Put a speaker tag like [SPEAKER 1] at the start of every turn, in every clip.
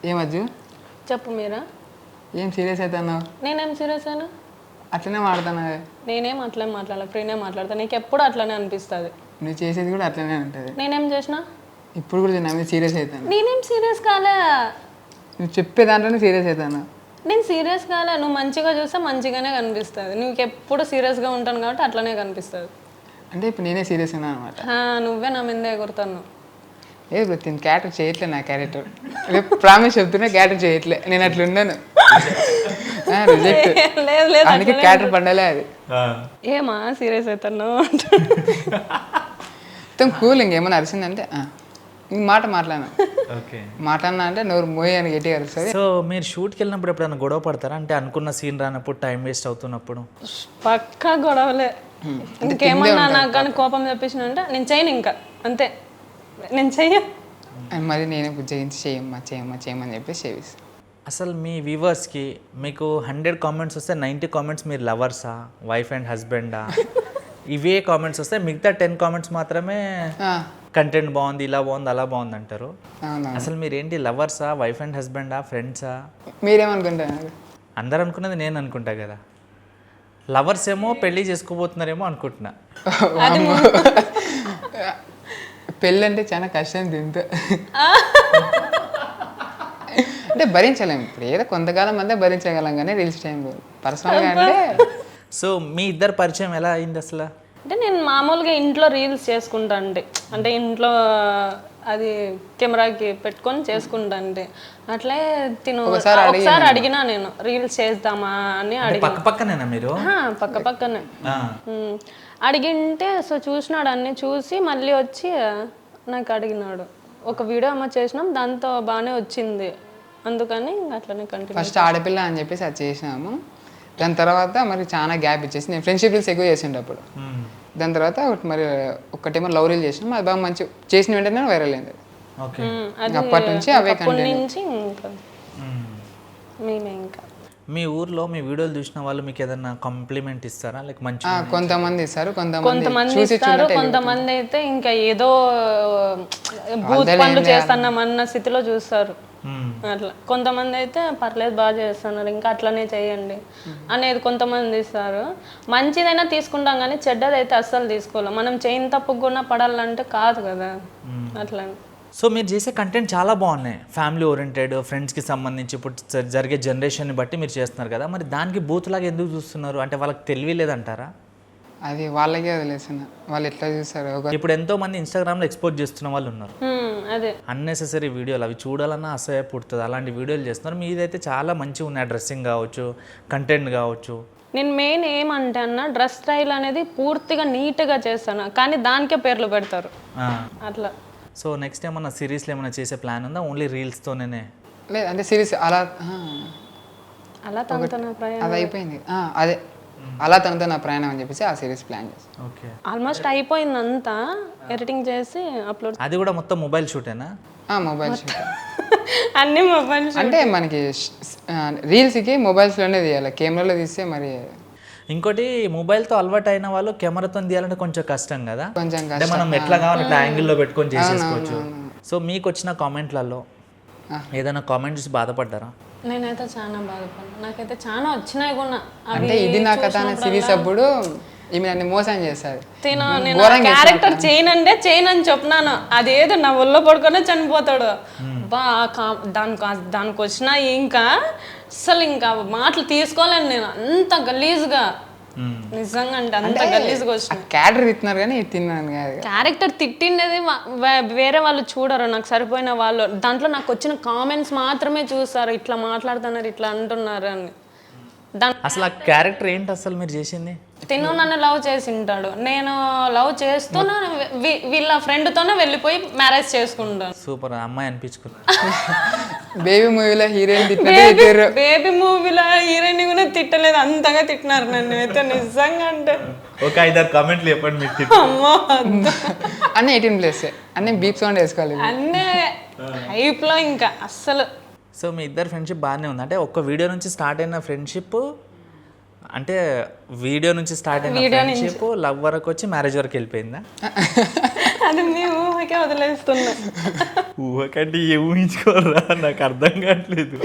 [SPEAKER 1] ఏమజ్జు
[SPEAKER 2] చెప్పు మీరా.
[SPEAKER 1] ఏం సీరియస్ అవుతున్నావు?
[SPEAKER 2] నేనేం సీరియస్ అయినా?
[SPEAKER 1] అట్లనే మాట్లాడుతున్నావే.
[SPEAKER 2] నేనేం అట్లనే మాట్లాడాలి, ఫ్రీనే మాట్లాడతాను. నీకు ఎప్పుడు అట్లనే అనిపిస్తుంది.
[SPEAKER 1] నువ్వు చేసేది కూడా అట్లనే ఉంటుంది.
[SPEAKER 2] నేనేం చేసినా?
[SPEAKER 1] ఇప్పుడు కూడా నా మీద సీరియస్ అవుతాను.
[SPEAKER 2] నేనేం సీరియస్ కాలే.
[SPEAKER 1] నువ్వు చెప్పే దాంట్లోనే సీరియస్ అవుతాను.
[SPEAKER 2] నేను సీరియస్ కాలే. నువ్వు మంచిగా చూస్తే మంచిగానే కనిపిస్తుంది. నీకు ఎప్పుడు సీరియస్గా ఉంటాను కాబట్టి అట్లనే కనిపిస్తుంది.
[SPEAKER 1] అంటే ఇప్పుడు నేనే సీరియస్ ఉన్నా అనమాట.
[SPEAKER 2] నువ్వే నా మీద ఎగురుతాను.
[SPEAKER 1] ఏ తిని క్యారెక్టర్ చేయట్లే. నా క్యారెక్టర్ రేపు ప్రామిస్ చెప్తున్నా క్యారెక్టర్ చేయట్లే. నేను అట్లా ఉన్నాను. రిజెక్ట్.
[SPEAKER 2] లేదు లేదు,
[SPEAKER 1] అందుకే క్యారెక్టర్ పండలే అది.
[SPEAKER 2] ఏమా సీరియస్ అవుతాను
[SPEAKER 1] మొత్తం కూల్. ఇంకేమన్నా అరిసిందంటే ఇంక మాట మాట్లాడినా అంటే నోరు మోయి అని గట్టిగా అరుస్తుంది.
[SPEAKER 3] సో మీరు షూట్కి వెళ్ళినప్పుడు ఎప్పుడైనా గొడవ పడతారా? అంటే అనుకున్న సీన్ రానప్పుడు, టైం వేస్ట్ అవుతున్నప్పుడు?
[SPEAKER 2] పక్కా గొడవలే. ఇంకేమన్నా నాకు కానీ కోపం తెప్పించిన అంటే నేను చేయను, ఇంకా అంతే. నేను చెయ్య.
[SPEAKER 1] మరి నేనే బుజ్జగించి చేయమని చెప్పేసి చేపిస్తాను.
[SPEAKER 3] అసలు మీ వ్యూవర్స్కి మీకు 100 కామెంట్స్ వస్తే 90 కామెంట్స్ మీరు లవర్సా, వైఫ్ అండ్ హస్బెండా, ఇవే కామెంట్స్ వస్తే మిగతా 10 కామెంట్స్ మాత్రమే కంటెంట్ బాగుంది, ఇలా బాగుంది, అలా బాగుంది అంటారు. అసలు మీరేంటి, లవర్సా, వైఫ్ అండ్ హస్బెండా, ఫ్రెండ్సా?
[SPEAKER 1] మీరేమనుకుంటున్నారు?
[SPEAKER 3] అందరు అనుకున్నది నేను అనుకుంటా కదా. లవర్స్ ఏమో పెళ్ళి చేసుకోబోతున్నారేమో అనుకుంటున్నా.
[SPEAKER 1] పెళ్ళి అంటే చాలా కష్టం దీంతో. అంటే భరించలేము. ఇప్పుడు ఏదో కొంతకాలం అంతా భరించగలం కానీ రీల్స్ టైంలో పర్సనల్గా అంటే.
[SPEAKER 3] సో మీ ఇద్దరు పరిచయం ఎలా అయింది అసలు?
[SPEAKER 2] అంటే నేను మామూలుగా ఇంట్లో రీల్స్ చేసుకుంటా అంటే ఇంట్లో అది కెమెరాకి పెట్టుకొని చేసుకుంటా. అంటే అట్లే ఒకసారి అడిగినా నేను రీల్స్ చేద్దామా అని అడిగి.
[SPEAKER 3] పక్కనేనా మీరు?
[SPEAKER 2] పక్కనే అడిగింటే సో చూసినాడు. అన్ని చూసి మళ్ళీ వచ్చి నాకు అడిగినాడు. ఒక వీడియో అమ్మ చేసినాం, దాంతో బాగానే వచ్చింది, అందుకని అట్లనే కంటిన్యూ.
[SPEAKER 1] ఫస్ట్ ఆడపిల్ల అని చెప్పేసి అది చేసినాము. దాని తర్వాత మరి చాలా గ్యాప్ ఇచ్చేసి నేను ఫ్రెండ్షిప్ రీల్స్ ఎక్కువ చేసిండే అప్పుడు. దాని తర్వాత ఒకటేమో లవ్ రీల్ చేసినాం. అది బాగా మంచి చేసిన వెంటనే వైరల్ అయింది. అప్పటి నుంచి అవే
[SPEAKER 2] నుంచి మేమే ఇంకా.
[SPEAKER 3] మీ ఊర్లో మీ వీడియోలు చూసిన వాళ్ళు మీకు ఏదైనా కాంప్లిమెంట్ ఇస్తారా? లైక్ మంచి
[SPEAKER 1] కొంతమంది ఇస్తారు,
[SPEAKER 2] కొంతమంది ఇస్తారు. కొంతమంది అయితే ఇంకా ఏదో భూత్ పనులు చేస్తున్నామన్న స్థితిలో చూస్తారు. అట్లా కొంతమంది అయితే పర్లేదు, బాగా చేస్తున్నారు, ఇంకా అట్లనే చేయండి అనేది కొంతమంది ఇస్తారు. మంచిదైనా తీసుకుంటాం కానీ చెడ్డదైతే అస్సలు తీసుకోవాలి. మనం చేయని తప్పుకు కూడా పడాలంటే కాదు కదా. అట్లా.
[SPEAKER 3] సో మీరు చేసే కంటెంట్ చాలా బాగున్నాయి, ఫ్యామిలీ ఓరియంటెడ్, ఫ్రెండ్స్కి సంబంధించి ఇప్పుడు జరిగే జనరేషన్ని బట్టి మీరు చేస్తున్నారు కదా. మరి దానికి బూత్లాగా ఎందుకు చూస్తున్నారు? అంటే వాళ్ళకి తెలివి లేదంటారా?
[SPEAKER 1] అది వాళ్ళకే వదిలేసిన వాళ్ళు ఎట్లా చూస్తారు.
[SPEAKER 3] ఇప్పుడు ఎంతో మంది ఇన్స్టాగ్రామ్లో ఎక్స్పోజ్ చేస్తున్న వాళ్ళు ఉన్నారు.
[SPEAKER 2] అదే
[SPEAKER 3] అన్నెసెసరీ వీడియోలు, అవి చూడాలన్నా అసహ్య పుడుతుంది, అలాంటి వీడియోలు చేస్తున్నారు. మీదైతే చాలా మంచిగా ఉన్నాయి, డ్రెస్సింగ్ కావచ్చు, కంటెంట్ కావచ్చు.
[SPEAKER 2] నేను మెయిన్ ఏమంటే అన్న డ్రెస్ స్టైల్ అనేది పూర్తిగా నీట్గా చేస్తాను, కానీ దానికే పేర్లు పెడతారు అట్లా.
[SPEAKER 3] సో నెక్స్ట్ ఏమన్నా సిరీస్లో ఏమైనా చేసే ప్లాన్ ఉందా? ఓన్లీ రీల్స్తోనే?
[SPEAKER 1] లేదు అంటే సిరీస్
[SPEAKER 2] అలా తనతో నా ప్రయాణం
[SPEAKER 1] అది అయిపోయింది. అదే అలా తనతో నా ప్రయాణం అని చెప్పేసి ఆ సిరీస్ ప్లాన్ చేస్తాను.
[SPEAKER 3] ఓకే,
[SPEAKER 2] ఆల్మోస్ట్ అయిపోయింది అంతా, ఎడిటింగ్ చేసి అప్లోడ్.
[SPEAKER 3] అది కూడా మొత్తం మొబైల్ షూటేనా?
[SPEAKER 1] మొబైల్ షూట్
[SPEAKER 2] అన్ని మొబైల్. అంటే
[SPEAKER 1] మనకి రీల్స్కి మొబైల్స్లోనే తీయాలి, కెమెరాలో తీస్తే మరి.
[SPEAKER 3] ఇంకోటి మొబైల్తో అలవాటు అయిన వాళ్ళు కెమెరాతో తీయాలంటే కొంచెం కష్టం కదా.
[SPEAKER 1] కొంచెం
[SPEAKER 3] అంటే మనం ఎట్లా కావాలి ఇట్లా యాంగిల్లో పెట్టుకొని చేసేసుకోవచ్చు. సో మీకు వచ్చిన కామెంట్లలో ఏదైనా కామెంట్ చూసి బాధపడ్డారా?
[SPEAKER 2] నేనైతే చాలా బాధపడ్డా. నాకైతే చాలా వచ్చినాయి కూడా.
[SPEAKER 1] అంటే ఇది నా కథ అనే సిరీస్ అప్పుడు ఈమె నన్ను మోసం చేశారు.
[SPEAKER 2] నేను క్యారెక్టర్ చేయనంటే చేయనని చెప్పినాను, అదేదో నా ఒళ్ళో పడుకొని చనిపోతాడు. దానికి వచ్చినా ఇంకా అసలు ఇంకా మాటలు తీసుకోలేను నేను, అంత గలీజ్గా. నిజంగా అంటే అంత గలీజ్గా వచ్చిన
[SPEAKER 1] క్యారెక్టర్ తిన్నారు కానీ తిన్నాను కాదు.
[SPEAKER 2] క్యారెక్టర్ తిట్టిండేది వేరే వాళ్ళు చూడరు, నాకు సరిపోయిన వాళ్ళు. దాంట్లో నాకు వచ్చిన కామెంట్స్ మాత్రమే చూస్తారు, ఇట్లా మాట్లాడుతున్నారు, ఇట్లా అంటున్నారు అని.
[SPEAKER 3] అసలు ఆ క్యారెక్టర్ ఏంటి అసలు మీరు చేసింది?
[SPEAKER 2] తిను నన్ను లవ్ చేసి ఉంటాడు, నేను లవ్ చేస్తూనే వీళ్ళ ఫ్రెండ్తోనే వెళ్ళిపోయి మ్యారేజ్ చేసుకుంటాను.
[SPEAKER 3] సూపర్ అమ్మాయి అనిపించుకున్నా.
[SPEAKER 1] బేబీ మూవీలో హీరోయిన్ తిట్టినారు,
[SPEAKER 2] బేబీ మూవీలో హీరోయిన్ కూడా తిట్టలేదు, అంతగా తిట్టినారు నన్ను అయితే నిజంగా. అంటే
[SPEAKER 3] ఒక 5-6 కామెంట్లు చెప్పండి మీరు.
[SPEAKER 2] అమ్మో
[SPEAKER 1] అన్నీ 18+ అన్నీ బీప్ సౌండ్ వేసుకోవాలి,
[SPEAKER 2] అన్నీ హైప్లో ఇంకా అస్సలు.
[SPEAKER 3] సో మీ ఇద్దరు ఫ్రెండ్షిప్ బాగానే ఉంది. అంటే ఒక్క వీడియో నుంచి స్టార్ట్ అయిన ఫ్రెండ్షిప్, అంటే వీడియో నుంచి స్టార్ట్ అయిన ఫ్రెండ్షిప్ లవ్ వరకు వచ్చి మ్యారేజ్ వరకు వెళ్ళిపోయిందా?
[SPEAKER 2] అది మీ ఊహకే వదిలేస్తున్నా.
[SPEAKER 3] ఊహకంటే ఏ ఊహించుకోరా, నాకు అర్థం కావట్లేదు.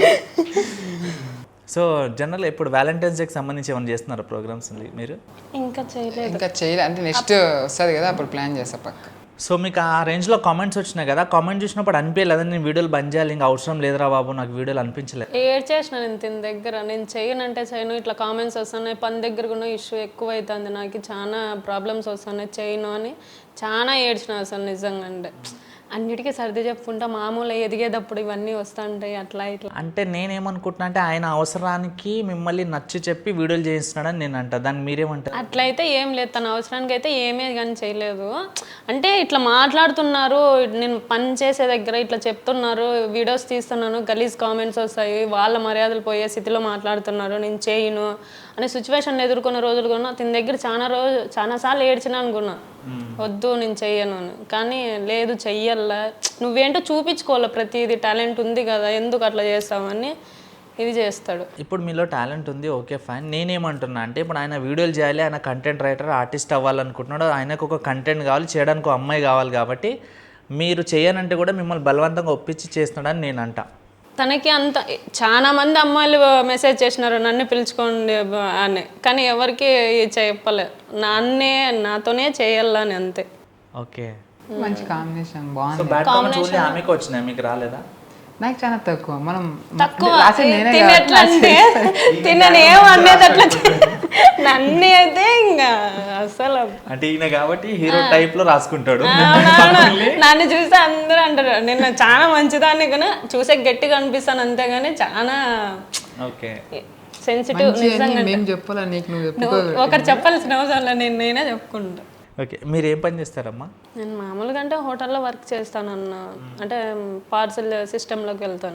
[SPEAKER 3] సో జనరల్ ఇప్పుడు వ్యాలంటైన్స్ డేకి సంబంధించి ఏమైనా చేస్తున్నారా ప్రోగ్రామ్స్ మీరు?
[SPEAKER 2] ఇంకా చేయలేదు.
[SPEAKER 1] ఇంకా చేయలే, అంటే నెక్స్ట్ వస్తుంది కదా అప్పుడు ప్లాన్ చేస్తా పక్క.
[SPEAKER 3] సో మీకు ఆ రేంజ్లో కామెంట్స్ వచ్చినాయి కదా, కామెంట్ చూసినప్పుడు అనిపించలేదు నేను వీడియోలు బంద్ చేయాలి, ఇంకా అవసరం లేదురా బాబు నాకు వీడియోలు అనిపించలేదు?
[SPEAKER 2] ఏడ్చేసిన నేను తిన దగ్గర, నేను చేయనంటే చేయను, ఇట్లా కామెంట్స్ వస్తున్నాయి, పని దగ్గర కూడా ఇష్యూ ఎక్కువ అవుతుంది, నాకు చాలా ప్రాబ్లమ్స్ వస్తున్నాయి, చేయను అని చాలా ఏడ్చిన అసలు నిజంగా. అంటే అన్నిటికీ సర్ది చెప్పుకుంటా మామూలు ఎదిగేటప్పుడు ఇవన్నీ వస్తుంటాయి అట్లా ఇట్లా.
[SPEAKER 3] అంటే నేనేమనుకుంటున్నా అంటే ఆయన అవసరానికి మిమ్మల్ని నచ్చి చెప్పి వీడియోలు చేయిస్తున్నాడని నేను అంట, దాన్ని మీరేమంటారు?
[SPEAKER 2] అట్లయితే ఏం లేదు, తన అవసరానికి అయితే ఏమీ కానీ చేయలేదు. అంటే ఇట్లా మాట్లాడుతున్నారు, నేను పని చేసే దగ్గర ఇట్లా చెప్తున్నారు, వీడియోస్ తీస్తున్నాను, గలీజ్ కామెంట్స్ వస్తాయి, వాళ్ళ మర్యాదలు పోయే స్థితిలో మాట్లాడుతున్నారు, నేను చేయను అనే సిచ్యువేషన్ ఎదుర్కొన్న రోజులు కూడా తిన దగ్గర చాలాసార్లు ఏడ్చినా అనుకున్నా, వద్దు నేను చెయ్యను అని. కానీ లేదు చెయ్యాల, నువ్వేంటో చూపించుకోవాలి, ప్రతిదీ టాలెంట్ ఉంది కదా, ఎందుకు అట్లా చేస్తామని ఇది చేస్తాడు.
[SPEAKER 3] ఇప్పుడు మీలో టాలెంట్ ఉంది, ఓకే ఫైన్. నేనేమంటున్నా అంటే ఇప్పుడు ఆయన వీడియోలు చేయాలి, ఆయన కంటెంట్ రైటర్ ఆర్టిస్ట్ అవ్వాలనుకుంటున్నాడు, ఆయనకు ఒక కంటెంట్ కావాలి, చేయడానికి ఒక అమ్మాయి కావాలి, కాబట్టి మీరు చేయనంటే కూడా మిమ్మల్ని బలవంతంగా ఒప్పించి చేస్తున్నాడని నేను అంట.
[SPEAKER 2] తనకి అంత చాలా మంది అమ్మాయిలు మెసేజ్ చేసినారు నన్ను పిలుచుకోండి అని, కానీ ఎవరికి చెప్పలే, నాతోనే చేయాలని అంతే.
[SPEAKER 3] ఓకే,
[SPEAKER 1] మంచి కాంబినేషన్
[SPEAKER 3] సో
[SPEAKER 1] బాగుంది.
[SPEAKER 3] బ్యాడ్ కామెంట్స్ ఓన్లీ ఆమెకు వచ్చినాయి, మీకు రాలేదా?
[SPEAKER 1] నాకు చాలా తక్కువ. మనం
[SPEAKER 2] తక్కువ
[SPEAKER 1] రాసేది నేనే
[SPEAKER 2] తిని
[SPEAKER 1] కదా.
[SPEAKER 2] ఎట్లా అంటే తినని ఏం అనేది అట్లా నన్ను అయితే ఇంకా అసలు
[SPEAKER 3] అంటే ఈయన కాబట్టి హీరో టైప్ లో రాసుకుంటాడు.
[SPEAKER 2] నన్ను చూస్తే అందరూ అంటారు నిన్న చాలా మంచిదాన్ని కానీ చూసే గట్టిగా అనిపిస్తాను అంతేగాని చాలా
[SPEAKER 3] ఓకే
[SPEAKER 2] సెన్సిటివ్. నిజంగా
[SPEAKER 1] మేము చెప్పాలా నీకు, నువ్వు చెప్పు.
[SPEAKER 2] నువ్వు ఒకరు చెప్పాల్సిన అవసరం లేదు, నేనే చెప్పుకుంటా.
[SPEAKER 3] ఓకే, మీరు ఏం పని చేస్తారమ్మా?
[SPEAKER 2] నేను మామూలుగా అంటే హోటల్లో వర్క్ చేస్తాను అన్న, అంటే పార్సల్ సిస్టంలోకి వెళ్తాను.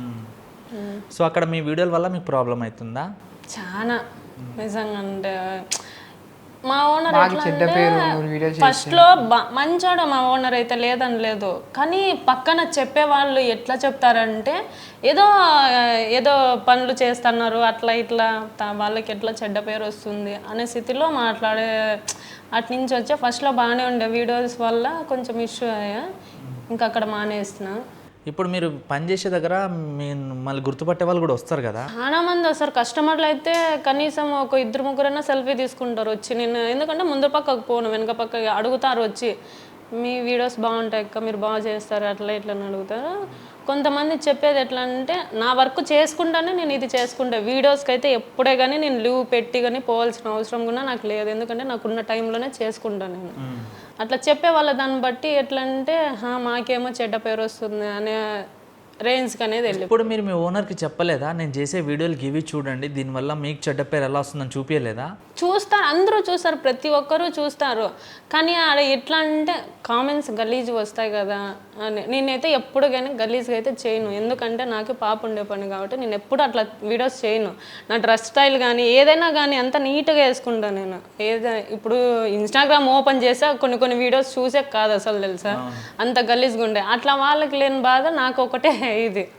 [SPEAKER 3] సో అక్కడ మీ వీడియోల వల్ల మీకు ప్రాబ్లం అవుతుందా?
[SPEAKER 2] చాలా నిజంగా. అంటే మా ఓనర్ ఫస్ట్లో మంచోడు, మా ఓనర్ అయితే లేదని లేదు, కానీ పక్కన చెప్పే వాళ్ళు ఎట్లా చెప్తారంటే ఏదో ఏదో పనులు చేస్తున్నారు అట్లా ఇట్లా, వాళ్ళకి ఎట్లా చెడ్డ పేరు వస్తుంది అనే స్థితిలో మాట్లాడే అటు నుంచి వచ్చే. ఫస్ట్లో బాగానే ఉండే, వీడియోస్ వల్ల కొంచెం ఇష్యూ అయ్యా, ఇంకా అక్కడ మానేస్తున్నా.
[SPEAKER 3] ఇప్పుడు మీరు పని చేసే దగ్గర మళ్ళీ గుర్తుపట్టే వాళ్ళు కూడా వస్తారు కదా?
[SPEAKER 2] చాలా మంది వస్తారు కస్టమర్లు అయితే, కనీసం ఒక 2-3 సెల్ఫీ తీసుకుంటారు వచ్చి. నేను ఎందుకంటే ముందు పక్కకు పోను, వెనక పక్క అడుగుతారు వచ్చి, మీ వీడియోస్ బాగుంటాయి అక్క, మీరు బాగా చేస్తారు అట్లా ఇట్లా అని అడుగుతారు. కొంతమంది చెప్పేది ఎట్లా అంటే నా వర్క్ చేసుకుంటానే నేను ఇది చేసుకుంటా, వీడియోస్కి అయితే ఎప్పుడే కానీ నేను లీవ్ పెట్టి కానీ పోవాల్సిన అవసరం కూడా నాకు లేదు, ఎందుకంటే నాకున్న టైంలోనే చేసుకుంటాను నేను. అట్లా చెప్పే వాళ్ళ దాన్ని బట్టి ఎట్లా అంటే మాకేమో చెడ్డ పేరు వస్తుంది అనే రేంజ్కి అనేది వెళ్ళి.
[SPEAKER 3] ఇప్పుడు మీరు మీ ఓనర్కి చెప్పలేదా నేను చేసే వీడియోలు ఇవి చూడండి, దీనివల్ల మీకు చెడ్డ పేరు ఎలా వస్తుందని చూపించలేదా?
[SPEAKER 2] చూస్తారు, అందరూ చూస్తారు, ప్రతి ఒక్కరూ చూస్తారు, కానీ ఆడ ఎట్లా అంటే కామెంట్స్ గలీజ్ వస్తాయి కదా అని. నేనైతే ఎప్పుడు కానీ గలీజ్గా అయితే చేయను, ఎందుకంటే నాకు పాప ఉండే పని కాబట్టి నేను ఎప్పుడు అట్లా వీడియోస్ చేయను. నా డ్రెస్ స్టైల్ కానీ ఏదైనా కానీ అంత నీట్గా వేసుకుంటాను నేను. ఇప్పుడు ఇన్స్టాగ్రామ్ ఓపెన్ చేసా కొన్ని వీడియోస్ చూసే కాదు అసలు, తెలుసా అంత గలీజ్గా ఉండే. అట్లా వాళ్ళకి లేని బాధ నాకు ఒకటే ఇది.